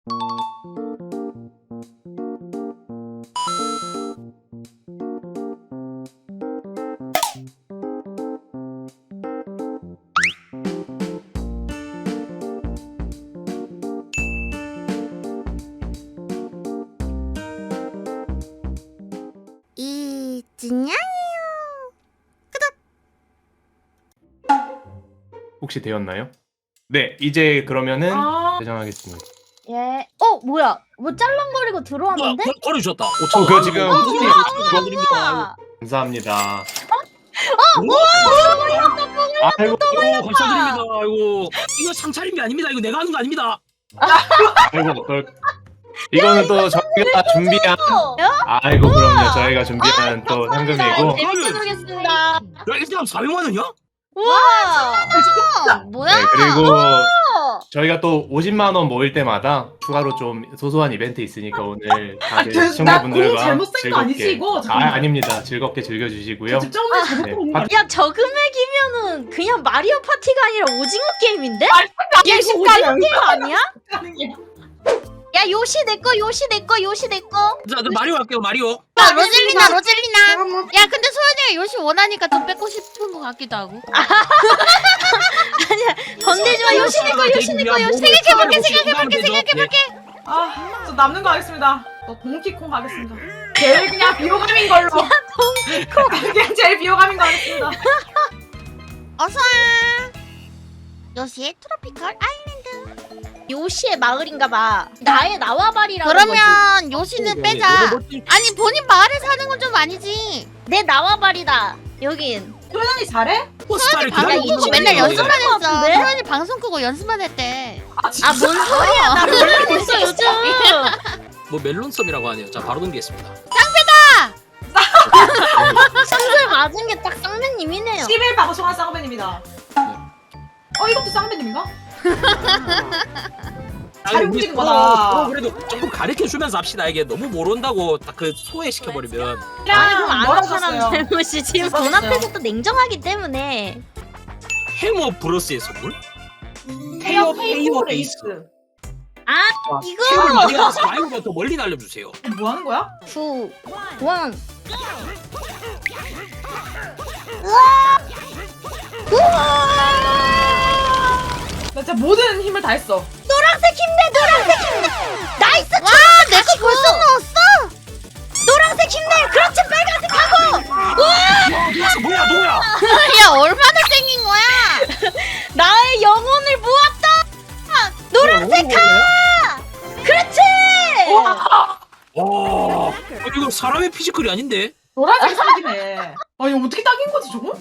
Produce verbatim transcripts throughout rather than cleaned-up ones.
이진양이요. 혹시 되었나요? 네, 이제 그러면은 아 대장하겠습니다. 예. 어 뭐야? 뭐 짤랑거리고 들어왔는데? 거- 거리 주셨다. 어, 그거 지금 축하드립니다. 감사합니다. 어, 아이고, 아이고 감사드립니다. 아이고 이거 상차림이 아닙니다. 이거 내가 하는 거 아닙니다. 아이고, 그걸 이거는 또 저희가 준비한 아이고 그럼요 저희가 준비한 또 상금이고 재밌게 놀겠습니다. 야 일단 사백만 원이야? 와. 뭐야? 네, 그리고 저희가 또 오십만 원 모일 때마다 추가로 좀 소소한 이벤트 있으니까 오늘 다들 저- 나 시청자분들과 공 잘못 센거 즐겁게 아니지, 이거? 아 잠깐만. 아닙니다 즐겁게 즐겨주시고요. 저 점을 잘못 네. 보는 거 야 저 금액이면은 그냥 마리오 파티가 아니라 오징어 게임인데? 아니, 야 이거 오징어 게임 아니야? 아니야? 야 요시 내꺼 요시 내꺼 요시 내꺼. 자, 저 마리오 할게요. 마리오. 야 로젤리나 로젤리나. 야 근데 소연이가 요시 원하니까 좀 뺏고 싶은 것 같기도 하고. 건들지 마 요시 내꺼 요시 내꺼 요시. 생각해볼게. 생각해볼게. 생각해볼게. 아, 저 남는 거 하겠습니다. 저 동키콩 가겠습니다. 제일 그냥 비호감인 걸로. 그냥 제일 비호감인 거 하겠습니다. 어서와. 요시의 트로피컬 아일랜드. 요시의 마을인가봐. 나의 나와바리라는 거지. 그러면 요시는 빼자. 아니 본인 마을에 사는 건 좀 아니지. 내 나와바리다. 여긴. 소연이 잘해? 포스타를 방송 이거 끄고 진짜 맨날 이거 연습만 이거 했어. 같은데? 소연이 방송 끄고 연습만 했대. 아, 진짜? 아 뭔 소리야? 나 몰라 있어 요즘. 뭐 멜론섬이라고 하네요. 자 바로 넘기겠습니다. 상술 맞은 게 딱 쌍배님이네요. 십일 방송한 쌍배님이다. 어, 이것도 쌍배님인가? 잘 움직이는 거다. 어, 그래도 조금 가르쳐 주면서 합시다. 이게 너무 모른다고 딱 그 소외시켜 버리면. 아니 그럼 아는 멀어졌어요. 사람 잘못이 지금 돈 멀어졌어요. 앞에서 또 냉정하기 때문에. 해머 브러스의 선물? 헤어 헤어 헤이오 레이스. 레이스. 아 heb을 이거 많이 가서 마이크보다 더 멀리 날려주세요. 뭐 하는 거야? 구 원. 나 진짜 모든 힘을 다 했어. 노란색 힘내 노란색 힘내. 나이스. 와 내가 벌써 넣었어. 노란색 힘내. 그렇지 빨간색 하고. 아, 뭐야 뭐야? 야 얼마나 땡긴 거야? 나의 영혼을 모았다. 노란색 가. 그렇지. 와, 이거 사람의 피지컬이 아닌데? 노란색 사기네. 아, 이거 어떻게 딱인 거지, 저거?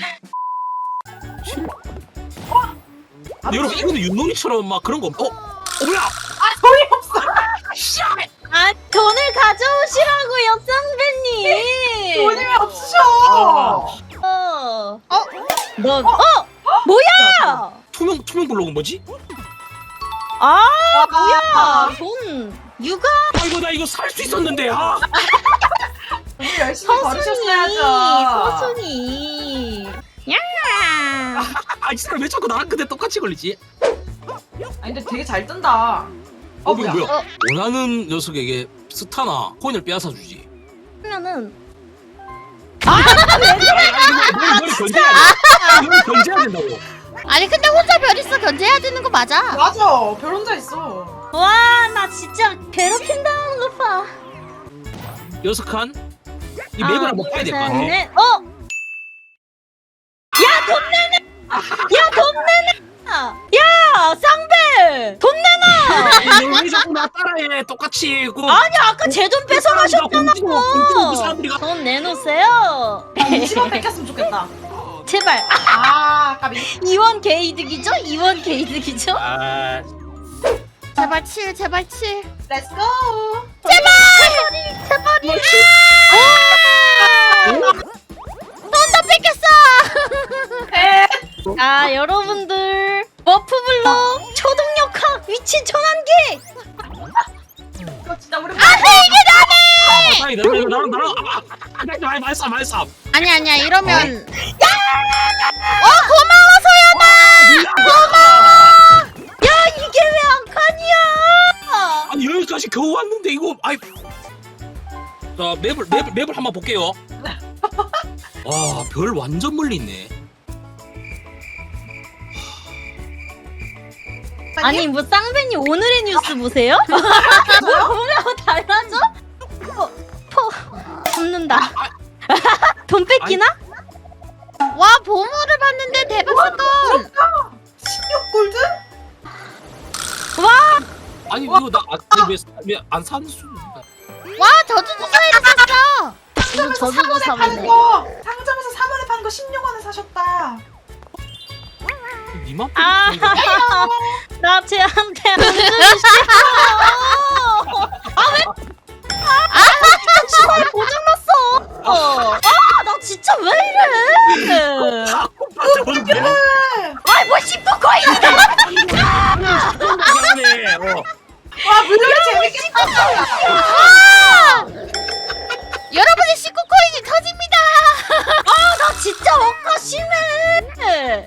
아, 여러분 이거는 윷놀이처럼 막 그런 거. 어, 어 뭐야? 아, 소리 없어. 아 돈을 가져오시라고요 쌍배님. 돈이 왜 없으셔? 어. 어? 너 어? 뭐야? 투명 투명 블록은 뭐지? 아 아, 뭐야? 돈 육아 아이고 나 이거 살 수 있었는데. 아, 돈을 열심히 서순이 벌으셨어야죠. 서순이. 야. 아, 이 사람 왜 자꾸 나랑 근데 똑같이 걸리지? 아니, 근데 되게 잘 뜬다. 어, 어, 이거 뭐야? 뭐야? 어. 원하는 녀석에게 스타나 코인을 빼앗아 주지. 그러면은 아니, 아니, 이거 뭘 견제해야 돼? 이걸 견제해야 된다고. 아니 근데 혼자 별 있어 견제해야 되는 거 맞아. 맞아. 별 혼자 있어. 와 나 진짜 괴롭힌다는 거 봐. 여섯 칸. 이 맵을 한번 봐야 될 것 같아. 네. 어? 야 돈 내놔. 야 돈 내놔. 야 쌍배 돈 내놔. 왜 자꾸 나 따라해? 똑같이. 그 아니 아까 제 돈 뺏어가셨잖아. 그 사람들이 가. 돈 내놓으세요. 이십 원 뺏겼으면 좋겠다. 제발. 아, 까비. 이원 개이득이죠? 이원 개이득이죠? 아, 제발 칠 제발 칠. Let's go. 제발! 제발이! 돈다 뺏겼어. 에. 자, 여러분들. 워프블럭 초동력화 위치 전환기! 이거 진짜 우리 아, 다행이다. 이거 나랑 나랑 아, 아, 아, 아, 말싸 말싸. 아니 아니야 이러면. 어 고마워 소연아. 야, 이게 왜 한 칸이야? 여기까지 겨우 왔는데 이거 아이. 자 맵을 맵을 맵을 한번 볼게요. 와 별 완전 멀리 있네. 아니 뭐 쌍배님 오늘의 뉴스 보세요? 뭐 보면 달라져? 포, 포 잡는다. 돈 뺏기나? 와 보물을 봤는데 대박 사건. 십육 골드? 와 아니 이거 나왜왜안 사는 수? 와 저주조사에 샀어. 이거 저주도 삼 원에 사면 파는 거 상점에서 삼 원에 파는 거 십육 원에 사셨다. 니만? 아, 나 쟤한테 안 주기 싫어. 아 왜? 아 진짜 주사위 고장났어. 아 나 진짜 왜 이래? 아이 뭐 십구 코인이야. 미안해. 어. 와 물놀이 재밌겠다. 여러분의 십구 코인이 터집니다. 아 나 진짜 억까 심해.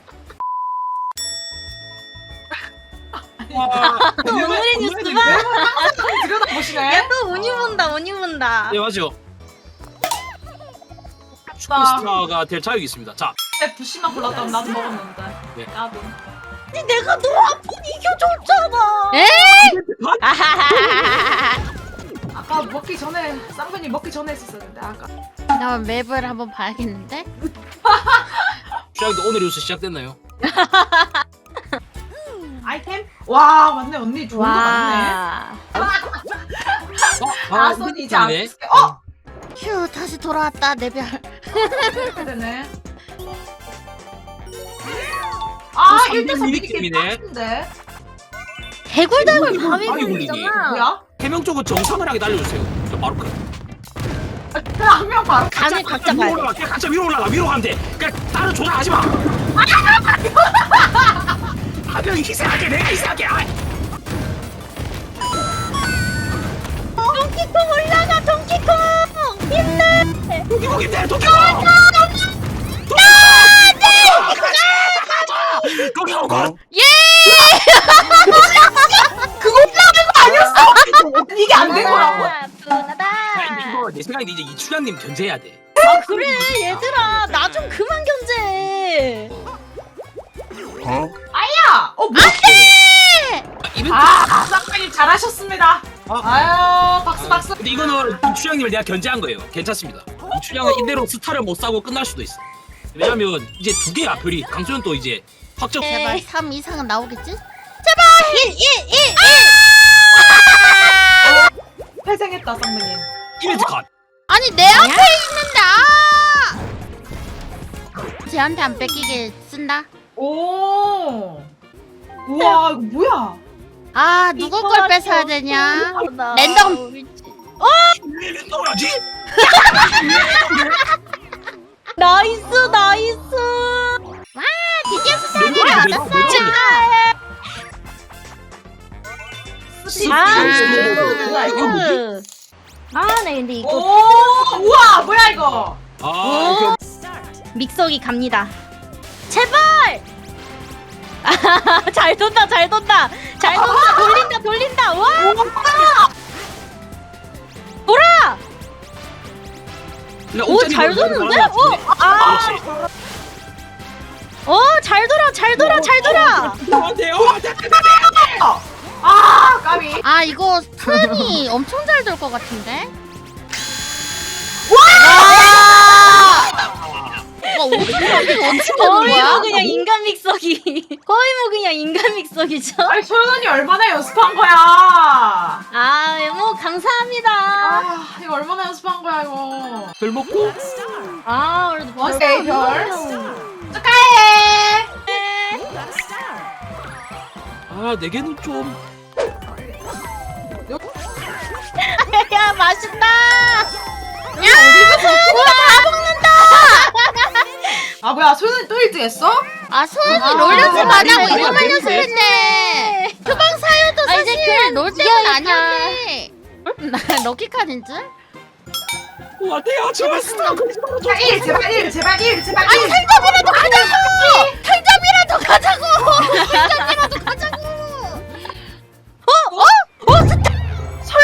와. 또 오늘의 뉴스 봐. 들여다보시네. 야 또 운이 본다 운이 본다. 네 맞죠. 슈퍼스타가 될 자격이 있습니다. 자, 부시만 골랐다면 나도 먹었는데. 네. 나도. 아니, 내가 너 한 번 이겨줬잖아. 에? 아까 먹기 전에 쌍배님 먹기 전에 했었는데 아까. 나 맵을 한번 봐야겠는데. 시작도 오늘 뉴스 시작됐나요? 아이템? 와 맞네 언니 좋은 거 많네. 와. 아 손이 이제 안 네. 쓰게. 어? 휴 다시 돌아왔다 내 별. 이렇게 되네. 아 또 일 대 삼 삼 미니게임 미니게임이네. 빡친데. 대굴대굴 바위 바위 굴리기. 굴리잖아. 뭐야? 해명 쪽은 정상을하게 날려주세요. 저 바로 그. 한 명 바로 간을 각자 위로 봐야 돼. 올라가. 그냥 각자 위로 올라가. 위로 가면 돼. 그냥 다른 조작하지 마. 한 명이 희생할게. 내가 희생할게. 아. 동키콩 올라가 동키콩 힘내. 도끼고 힘내. 도끼고. 도끼고 걸. 그거 올라가는 거 아니었어? 이게 안 된 거라고? 분하다. 이거 내 생각에 이제 이춘향님 견제해야 돼. 아 그래 얘들아 나 좀 그만 견제. 아야! 어 뭐야? 이벤트. 아 쌍배님 잘하셨습니다. 아. 아유 박수 박수. 근데 이거는 이춘향님을 내가 견제한 거예요. 괜찮습니다. 이춘향은 이대로 스타를 못 사고 끝날 수도 있어. 왜냐면 이제 두 개야 별이. 강소연 또 이제 확정. 제발 삼 이상은 나오겠지? 일 일 일 회생했다 쌍배님. 이벤트 컷. 아니 내 앞에 있는데 아! 쟤한테 안 뺏기게 쓴다. 오. 우와 이거 뭐야? 아 누구 걸 뺏어야 되냐? 랜덤. 왜 랜덤하지? 나이스 나이스. 드디어 수사를 얻었어. 아, 뭐야, 이거? 그. 아, 네, 근데 이거 오 우와 뭐야 이거? 아 이거 믹서기 갑니다. 제발! 아, 잘 돈다, 잘 돈다, 잘 돈다, 돌린다, 돌린다. 와, 돌아! 오, 잘 도는데? 오, 아, 어, 잘 돌아, 잘 돌아, 잘 돌아. 안돼요. 아 까비. 아 이거 턴이 엄청 잘 돌 것 같은데? 와 어떻게 어떻게 어떻게 되는 거의 거야? 뭐 그냥 인간 믹서기. 거의 뭐 그냥 인간 믹서기죠. 아니 소연 언니 얼마나 연습한 거야? 아, 뭐 감사합니다. 아 이거 얼마나 연습한 거야 이거? 별 먹고. 아, 그래도 오케이, 별. 별. 축하해. 아 네 개는 좀. 야, 맛있다. 야 어디서 우와 다 먹는다. 아 뭐야 소연 언니 또 일 등 했어? 아 소연이 아, 롤 연습 안 하고 아, 이거만 아, 연습했네. 표방 사유도 아, 이제 사실 그냥 롤 때문 이겨야겠다. 아니었네. 나 럭키카드인 줄? 와 돼요. 제발 스타. 자, 일 제발 일 제발 일 제발 아니 일. 탈점이라도 가자고! 탈점이라도 가자고! 탈점이라도 가자고! 소연